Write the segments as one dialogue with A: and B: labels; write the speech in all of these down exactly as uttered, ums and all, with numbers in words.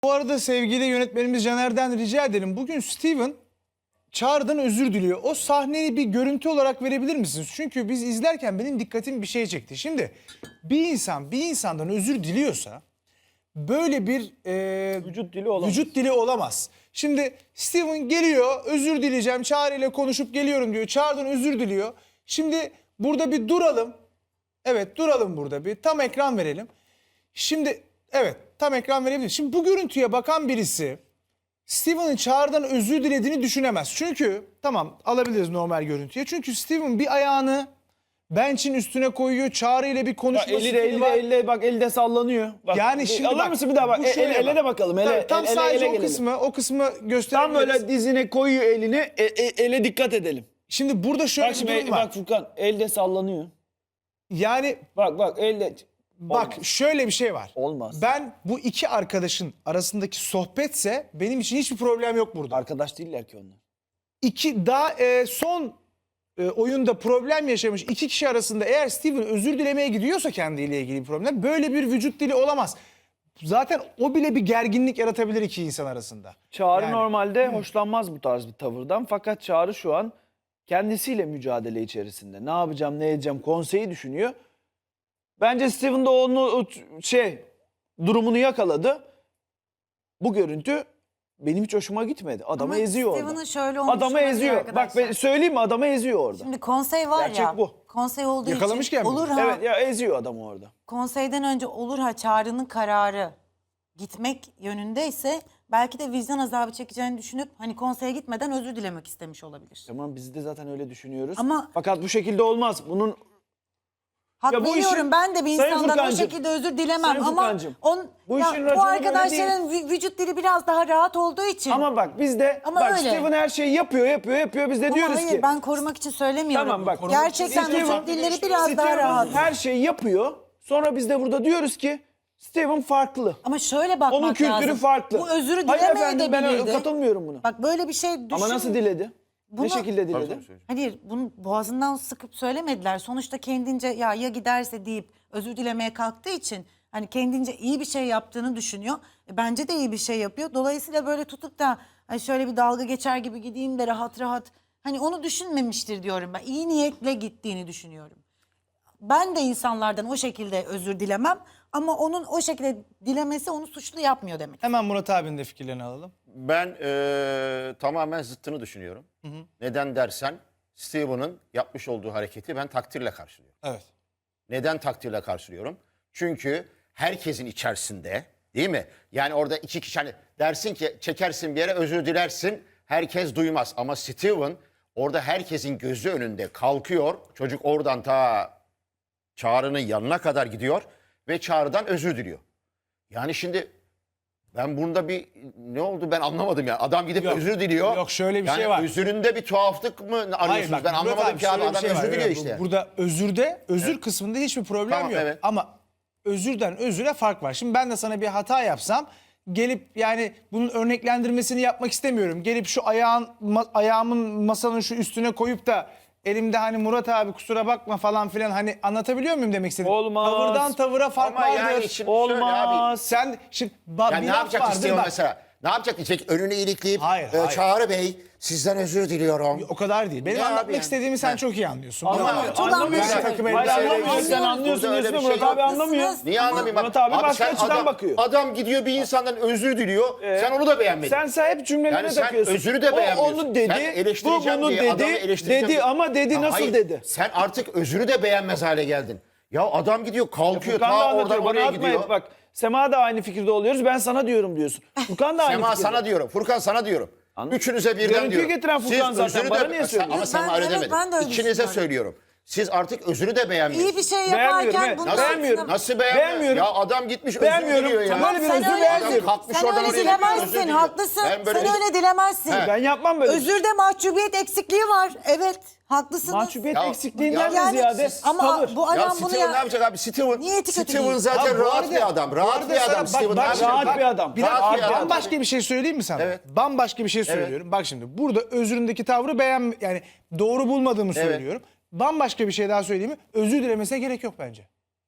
A: Bu arada sevgili yönetmenimiz Caner'den rica edelim. Bugün Steven Çağrı'dan özür diliyor. O sahneyi bir görüntü olarak verebilir misiniz? Çünkü biz izlerken benim dikkatim bir şeye çekti. Şimdi bir insan bir insandan özür diliyorsa böyle bir e,
B: Vücut dili olamaz.
A: Vücut dili olamaz. Şimdi Steven geliyor, özür dileyeceğim, Çağrı ile konuşup geliyorum diyor. Çağrı'dan özür diliyor. Şimdi burada bir duralım. Evet, duralım burada bir. Tam ekran verelim. Şimdi evet, tam ekran verebiliriz. Şimdi bu görüntüye bakan birisi Steven'ın Çağrı'dan özür dilediğini düşünemez. Çünkü tamam, alabiliriz normal görüntüye. Çünkü Steven bir ayağını bench'in üstüne koyuyor. Çağrı ile bir
B: Bak,
A: konuşması
B: eli de eli de eli de bak elde sallanıyor. Bak,
A: Yani şimdi
B: alır
A: bak,
B: mısın bir daha bak.
A: bu
B: El,
A: şöyle
B: ele, ele
A: bak.
B: de bakalım. Ele,
A: Tam, tam
B: ele,
A: sadece
B: ele
A: o
B: gelelim.
A: kısmı, o kısmı
B: Tam
A: gösterebiliriz.
B: böyle dizine koyuyor elini. E, e, ele dikkat edelim.
A: Şimdi burada şöyle
B: Bak
A: bir
B: şimdi
A: durum var.
B: bak Furkan elde sallanıyor.
A: Yani
B: Bak bak elde.
A: bak
B: Olmaz.
A: şöyle bir şey var.
B: Olmaz.
A: Ben bu iki arkadaşın arasındaki sohbetse benim için hiçbir problem yok burada.
B: Arkadaş değiller ki onlar.
A: İki daha e, son e, oyunda problem yaşamış iki kişi arasında eğer Steven özür dilemeye gidiyorsa kendiyle ilgili bir problem, böyle bir vücut dili olamaz. Zaten o bile bir gerginlik yaratabilir iki insan arasında.
B: Çağrı
A: Yani-
B: normalde hoşlanmaz bu tarz bir tavırdan. Fakat Çağrı şu an kendisiyle mücadele içerisinde. Ne yapacağım, ne edeceğim konseyi düşünüyor. Bence Steven de onu o şey durumunu yakaladı. Bu görüntü benim hiç hoşuma gitmedi. Adamı
C: Ama
B: eziyor
C: Steven'ın
B: orada.
C: şöyle olmuş
B: Adamı
C: olabilir
B: eziyor. Bak
C: arkadaşlar.
B: ben söyleyeyim mi, adamı eziyor orada.
C: Şimdi konsey var
B: Gerçek
C: ya.
B: bu.
C: Konsey olduğu
A: Yakalamışken
C: için
A: mi?
C: olur ha.
B: Evet ya, eziyor adamı orada.
C: Konseyden önce olur ha Çağrı'nın kararı gitmek yönündeyse belki de vicdan azabı çekeceğini düşünüp hani konseye gitmeden özür dilemek istemiş olabilir.
B: Tamam, biz de zaten öyle düşünüyoruz.
C: Ama-
B: Fakat bu şekilde olmaz. Bunun
C: Hak
B: Ya bu
C: veriyorum,
B: işin-
C: ben de bir
B: Sayın
C: insandan o
B: Furkancığım,
C: şekilde özür dilemem
B: Sayın
C: ama
B: Furkancığım,
C: on,
B: bu
C: ya,
B: işin
C: bu
B: raconu böyle
C: arkadaşların vü- vücut dili biraz daha rahat olduğu için.
B: ama bak biz de
C: Ama
B: bak
C: öyle.
B: Steven her şeyi yapıyor, yapıyor, yapıyor. Biz de
C: Ama
B: diyoruz
C: hayır,
B: ki
C: ben korumak için söylemiyorum.
B: tamam bak.
C: Gerçekten
B: Steven-
C: vücut dilleri biraz
B: Steven
C: daha rahat.
B: her şeyi yapıyor. Sonra biz de burada diyoruz ki Steven farklı.
C: Ama şöyle bakmak
B: Onun kültürü
C: lazım.
B: farklı.
C: Bu özürü
B: Hayır
C: dilemeye
B: efendim,
C: de
B: ben
C: bilirdi.
B: katılmıyorum buna.
C: Bak böyle bir şey düşün.
B: Ama nasıl diledi?
C: Bunu-
B: Ne şekilde diledi?
C: Hayır, bunu boğazından sıkıp söylemediler. Sonuçta kendince ya ya giderse deyip özür dilemeye kalktığı için hani kendince iyi bir şey yaptığını düşünüyor. E, bence de iyi bir şey yapıyor. Dolayısıyla böyle tutup da hani şöyle bir dalga geçer gibi gideyim de rahat rahat hani onu düşünmemiştir diyorum ben. İyi niyetle gittiğini düşünüyorum. Ben de insanlardan o şekilde özür dilemem ama onun o şekilde dilemesi onu suçlu yapmıyor demek.
A: Hemen Murat abinin de fikirlerini alalım.
D: Ben eee, tamamen zıttını düşünüyorum. Neden dersen Steven'ın yapmış olduğu hareketi ben takdirle karşılıyorum.
A: Evet.
D: Neden takdirle karşılıyorum? Çünkü herkesin içerisinde, değil mi? Yani orada iki kişi hani dersin ki çekersin bir yere özür dilersin, herkes duymaz. Ama Steven orada herkesin gözü önünde kalkıyor. Çocuk oradan ta Çağrı'nın yanına kadar gidiyor ve Çağrı'dan özür diliyor. Yani şimdi ben bunda bir ne oldu ben anlamadım ya. Adam gidip
A: Yok,
D: özür diliyor.
A: yok, şöyle bir
D: yani
A: şey var.
D: Özüründe bir tuhaflık mı arıyorsunuz?
A: bak,
D: ben
A: Murat
D: anlamadım ki abi
A: şöyle bir
D: adam
A: şey var.
D: özür diliyor
A: Evet,
D: işte.
A: bu- Burada özürde, özür kısmında hiçbir problem
D: Tamam,
A: yok.
D: evet.
A: Ama özürden özüre fark var. Şimdi ben de sana bir hata yapsam gelip yani bunun örneklendirmesini yapmak istemiyorum. Gelip şu ayağın ma- ayağımın masanın şu üstüne koyup da elimde hani Murat abi kusura bakma falan filan hani anlatabiliyor muyum demek istedim?
B: Olmaz.
A: Tavırdan tavıra fark
D: Ama
A: vardır.
D: yani şimdi şöyle abi.
B: Olmaz.
A: Sen şimdi ba-
D: Yani
A: bir
D: ne
A: laf
D: yapacak
A: vardır
D: Steven
A: bak.
D: mesela? Ne yapacak diyecek? Önünü ilikleyip
A: Hayır,
D: e,
A: hayır.
D: Çağrı Bey sizden özür diliyorum.
A: O kadar değil. Benim
D: Ya abi
A: anlatmak
D: yani.
A: istediğimi sen
D: Ha.
A: çok iyi anlıyorsun.
B: Ama
A: Bravo.
C: çok
B: anlamıyor.
C: anlıyorsun.
B: Hayır,
A: Takım
B: hayır,
A: elbise
B: anlamıyorsun.
A: elbise.
B: Sen anlıyorsun
D: Burada öyle
B: diyorsun
D: bir
B: Murat
D: şey
B: abi
D: yok.
B: anlamıyor.
C: Haklısınız.
D: Niye anlamayayım?
B: Murat abi başka
D: sen
B: açıdan
D: adam,
B: bakıyor.
D: Adam gidiyor bir insandan özür diliyor. sen onu da beğenmedin.
B: Sen sen hep cümlelerine
D: Yani sen
B: takıyorsun.
D: özürü de
B: O
D: beğenmiyorsun.
B: onu
D: Sen
B: dedi, bu
D: eleştireceğim
B: bunu
D: diye adamı
B: dedi,
D: eleştireceğim
B: dedi
D: diye-
B: ama dedi
D: Ya
B: nasıl
D: hayır,
B: dedi?
D: Sen artık özürü de beğenmez hale geldin. Ya adam gidiyor kalkıyor
B: Furkan da
D: ta
B: anlatıyor,
D: oradan
B: bana
D: oraya
B: atma
D: gidiyor.
B: hep bak. Sema da aynı fikirde oluyoruz, ben sana diyorum diyorsun. Furkan da aynı
D: Sema
B: fikirde.
D: sana diyorum. Furkan sana diyorum.
B: Anladım.
D: Üçünüze birden
B: Görüntüyü
D: diyorum.
B: getiren Furkan zaten,
D: özürü
B: bana niye söylüyorsun?
D: Ama sen
C: Ben-
D: öyle
C: evet,
D: demedin.
C: ben de öyle
D: İkinize
C: düşünüyorum.
D: söylüyorum. Siz artık özürü de beğenmiyorsunuz.
C: İyi bir şey
B: Beğenmiyorum,
C: yaparken
B: evet.
C: bunun
B: Nasıl-
C: altına-
D: Nasıl beğenmiyor?
B: Beğenmiyorum.
D: Ya adam gitmiş özür
B: Beğenmiyorum.
D: diliyor ya.
B: Tamam, böyle bir
C: Sen
B: özür
C: öyle-
B: beğenmiyorum.
D: Kalkmış
C: Sen
D: oradan
C: öyle
D: oraya gidiyor, özür
C: dilemezsin,
D: diliyor.
C: haklısın.
D: Ben böyle-
C: Sen öyle dilemezsin.
D: He.
B: Ben yapmam böyle.
C: Özürde mahcubiyet eksikliği var. Evet, haklısınız.
B: Mahcubiyet
D: Ya-
B: eksikliğinden
D: ya-
B: de ziyade
C: ama
B: tavır.
C: bu
D: Ya
C: adam bunu
D: Steven
C: ya...
D: ne yapacak abi? Steven,
C: Niyeti kötü
D: Steven
C: değil.
D: zaten
A: Ha, bu
D: rahat
A: arada-
D: bir adam.
A: bu
D: Rahat
A: arada
D: bir
A: sana-
D: adam
A: bak-
D: Steven.
A: bak
D: Ne
A: şimdi,
D: yapacak?
B: rahat bir adam.
A: Bir
D: Rahat
A: dakika,
D: bir adam.
A: bambaşka bir şey söyleyeyim mi sana?
D: Evet.
A: Bambaşka bir şey söylüyorum. Bak şimdi burada özründeki tavrı beğen yani doğru bulmadığımı
D: Evet.
A: söylüyorum. Bambaşka bir şey daha söyleyeyim mi? Özür dilemesine gerek yok bence.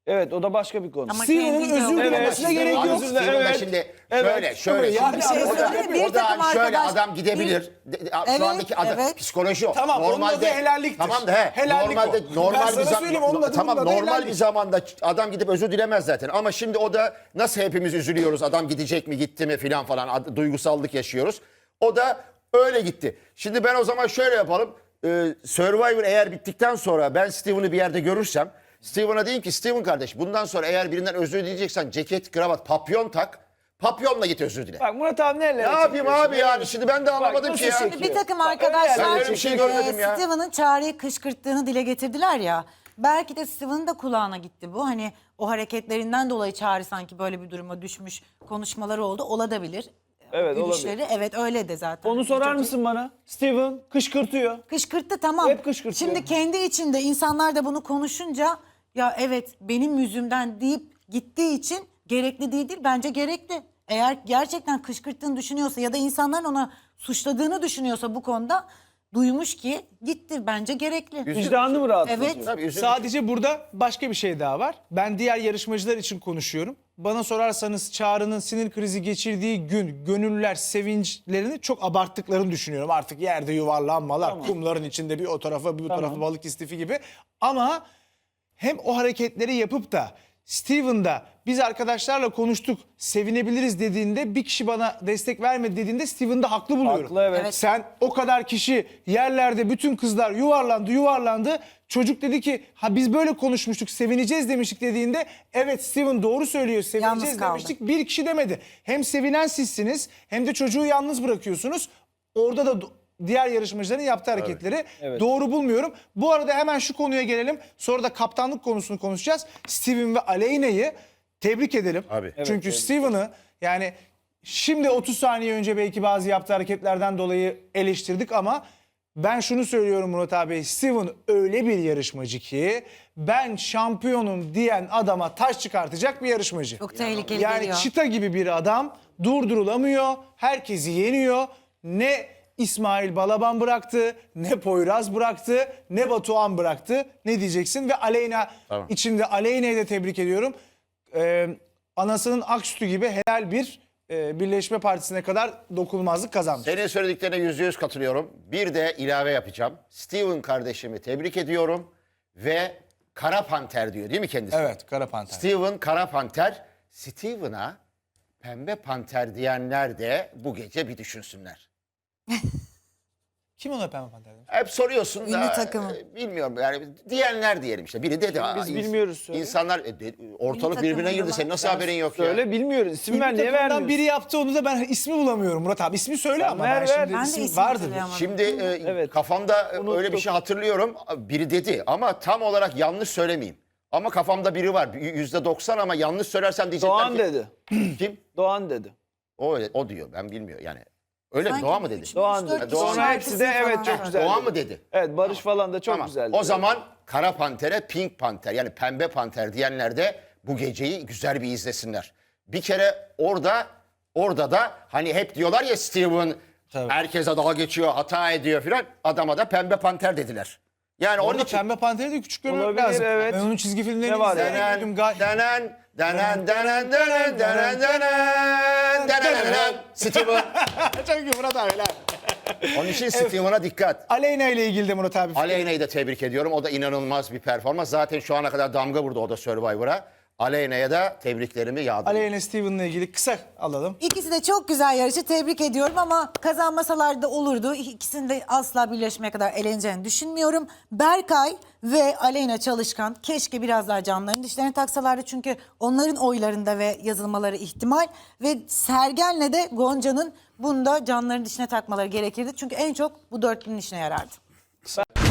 B: Evet, o da başka bir konu.
C: Ama
A: Steven'ın
C: kendince
A: özür
C: o-
A: dilemesine
B: Evet,
A: gerek
B: Steven
A: yok.
B: özür
D: Steven de
B: Evet.
D: şimdi
B: Evet.
D: şöyle şöyle.
A: Yani
D: şimdi
A: bir şey
D: o da,
C: söyleyeyim mi? Bir
D: o da
C: takım
D: şöyle
C: arkadaş-
D: adam gidebilir. De- de-
C: Evet,
D: Şu andaki adam
C: evet.
D: psikoloji o.
A: Tamam, onun adı helalliktir.
D: Tamam da he.
A: Helallik
D: normalde
A: o. Ben
D: normal
A: sana
D: bir zam-
A: söyleyeyim, onun adı
D: tamam
A: bunun adı
D: normal
A: helallik.
D: bir zamanda adam gidip özür dilemez zaten. Ama şimdi o da nasıl hepimiz üzülüyoruz. Adam gidecek mi, gitti mi filan falan. Ad- Duygusallık yaşıyoruz. O da öyle gitti. Şimdi ben o zaman şöyle yapalım. Ee, Survivor eğer bittikten sonra ben Steven'ı bir yerde görürsem Steven'a diyeyim ki Steven kardeş bundan sonra eğer birinden özür dileyeceksen ceket, kravat, papyon tak. Papyonla git özür dile.
B: Bak Murat abi neler
D: Ne yapayım abi yani şimdi ben de anlamadım
B: nasıl
D: ki ya.
B: çekiyor?
C: Bir takım
B: Bak,
C: arkadaşlar
D: öyle bir şey görmedim
C: e,
D: ya.
C: Steven'ın Çağrı'yı kışkırttığını dile getirdiler ya. Belki de Steven'ın da kulağına gitti bu. Hani o hareketlerinden dolayı Çağrı sanki böyle bir duruma düşmüş konuşmaları oldu. Olabilir.
B: Evet,
C: Gülüşleri. Evet öyle de zaten.
B: Onu sorar
C: Çok-
B: mısın bana? Steven kışkırtıyor.
C: Kışkırttı tamam.
B: Hep kışkırtıyor.
C: Şimdi kendi içinde insanlar da bunu konuşunca ya evet benim yüzümden deyip gittiği için gerekli değildir. Bence gerekli. Eğer gerçekten kışkırttığını düşünüyorsa ya da insanların ona suçladığını düşünüyorsa bu konuda duymuş ki gitti. Bence gerekli.
B: Vicdanlı mı rahatlatıyor?
C: Evet.
D: Tabii üzüldüm.
A: Sadece burada başka bir şey daha var. Ben diğer yarışmacılar için konuşuyorum. Bana sorarsanız Çağrı'nın sinir krizi geçirdiği gün gönüllüler sevinçlerini çok abarttıklarını düşünüyorum. Artık yerde yuvarlanmalar, kumların içinde bir o tarafa bir bu tarafa balık istifi gibi. Ama hem o hareketleri yapıp da Steven'da biz arkadaşlarla konuştuk sevinebiliriz dediğinde bir kişi bana destek vermedi dediğinde Steven'da haklı buluyorum.
B: Haklı, evet.
C: Evet.
A: Sen o kadar kişi yerlerde bütün kızlar yuvarlandı yuvarlandı. Çocuk dedi ki ha biz böyle konuşmuştuk sevineceğiz demiştik dediğinde evet Steven doğru söylüyor sevineceğiz
C: Yalnız kaldı.
A: demiştik. Bir kişi demedi. Hem sevinen sizsiniz hem de çocuğu yalnız bırakıyorsunuz. Orada da do- diğer yarışmacıların yaptığı hareketleri
B: Evet.
A: doğru bulmuyorum. Bu arada hemen şu konuya gelelim. Sonra da kaptanlık konusunu konuşacağız. Steven ve Aleyna'yı tebrik edelim.
D: Abi. Evet,
A: Çünkü Steven'ı yani şimdi otuz saniye önce belki bazı yaptığı hareketlerden dolayı eleştirdik ama ben şunu söylüyorum Murat abi. Steven öyle bir yarışmacı ki ben şampiyonum diyen adama taş çıkartacak bir yarışmacı.
C: Çok tehlikeli
A: Yani
C: geliyor.
A: çita gibi bir adam durdurulamıyor. Herkesi yeniyor. Ne İsmail Balaban bıraktı, ne Poyraz bıraktı, ne Batuhan bıraktı. Ne diyeceksin? Ve Aleyna
D: Tamam.
A: içinde Aleyna'yı da tebrik ediyorum. Ee, anasının ak sütü gibi helal bir e, Birleşme Partisi'ne kadar dokunulmazlık kazanmış.
D: Senin söylediklerine yüzde yüz katılıyorum. Bir de ilave yapacağım. Steven kardeşimi tebrik ediyorum ve Kara Panter diyor değil mi kendisi?
A: Evet, Kara Panter.
D: Steven Kara Panter. Steven'a Pembe Panter diyenler de bu gece bir düşünsünler.
A: Kim ona Pembe Panter demiş?
D: Hep soruyorsun da
C: Ünlü takımı.
D: e, bilmiyorum yani diyenler diyelim işte. Biri dedi.
B: Biz
D: "Aa,
B: bilmiyoruz, söyle."
D: İnsanlar e, de- ortalık
C: takımı
D: birbirine girdi.
C: diyorlar.
D: Senin nasıl haberin yok ya?
B: Söyle bilmiyoruz. İsim ver
A: Ünlü
B: niye
A: takımdan
B: vermiyorsun?
A: biri yaptı onu da ben ismi bulamıyorum Murat abi. İsmi söyle ama
B: ver,
A: ben
B: ver.
A: şimdi
C: Ben de
A: isim
C: isim
A: vardır.
C: hatırlayamadım.
D: Şimdi e,
B: Evet.
D: kafamda e, öyle
B: Unuttuk.
D: bir şey hatırlıyorum. Biri dedi ama tam olarak yanlış söylemeyeyim. Ama kafamda biri var. yüzde doksan ama yanlış söylersem diyecekler
B: Doğan
D: ki.
B: dedi.
D: Kim?
B: Doğan dedi.
D: O, öyle- o diyor ben bilmiyorum yani. Öyle mi?
C: Sanki
D: Doğan mı dedi?
C: üç-
B: Doğan
C: üç, dört
B: dedi.
C: kişi
B: Sonra
C: şarkısını
B: hepsi de
C: falan
B: evet çok
C: söyledi.
B: güzel.
D: Doğan
B: dedi.
D: mı dedi?
B: Evet Barış falan da çok
D: Tamam.
B: güzeldi.
D: O zaman Kara Panter'e Pink Panter yani Pembe Panter diyenler de bu geceyi güzel bir izlesinler. Bir kere orada orada da hani hep diyorlar ya Steven
A: Tabii.
D: herkese dalga geçiyor, hata ediyor filan. Adama da Pembe Panter dediler. Yani onun
A: Orada
D: için
A: Pembe Panter'i de küçük görmek
B: Olabilir,
A: lazım.
B: evet.
A: Ben onun çizgi filmlerini
B: Ne var
A: izledim.
B: yani?
A: Dedim, gay-
D: denen denen denen denen denen denen denen denen Steven.
A: Çok iyi Murat abi. helal.
D: Onun için Steven'a dikkat.
A: Aleyna ile ilgili de Murat abi.
D: Aleyna'yı da tebrik ediyorum. O da inanılmaz bir performans. Zaten şu ana kadar damga vurdu o da Survivor'a. Aleyna'ya da tebriklerimi yağdırıyorum.
A: Aleyna Steven'la ilgili kısa alalım.
C: İkisi de çok güzel yarışı tebrik ediyorum ama kazanmasalar da olurdu. İkisinin de asla birleşmeye kadar eğleneceğini düşünmüyorum. Berkay ve Aleyna Çalışkan keşke biraz daha canlarını dişlerine taksalardı. Çünkü onların oylarında ve yazılmaları ihtimal. Ve Sergen'le de Gonca'nın bunda canlarını dişine takmaları gerekirdi. Çünkü en çok bu dörtlünün işine yarardı.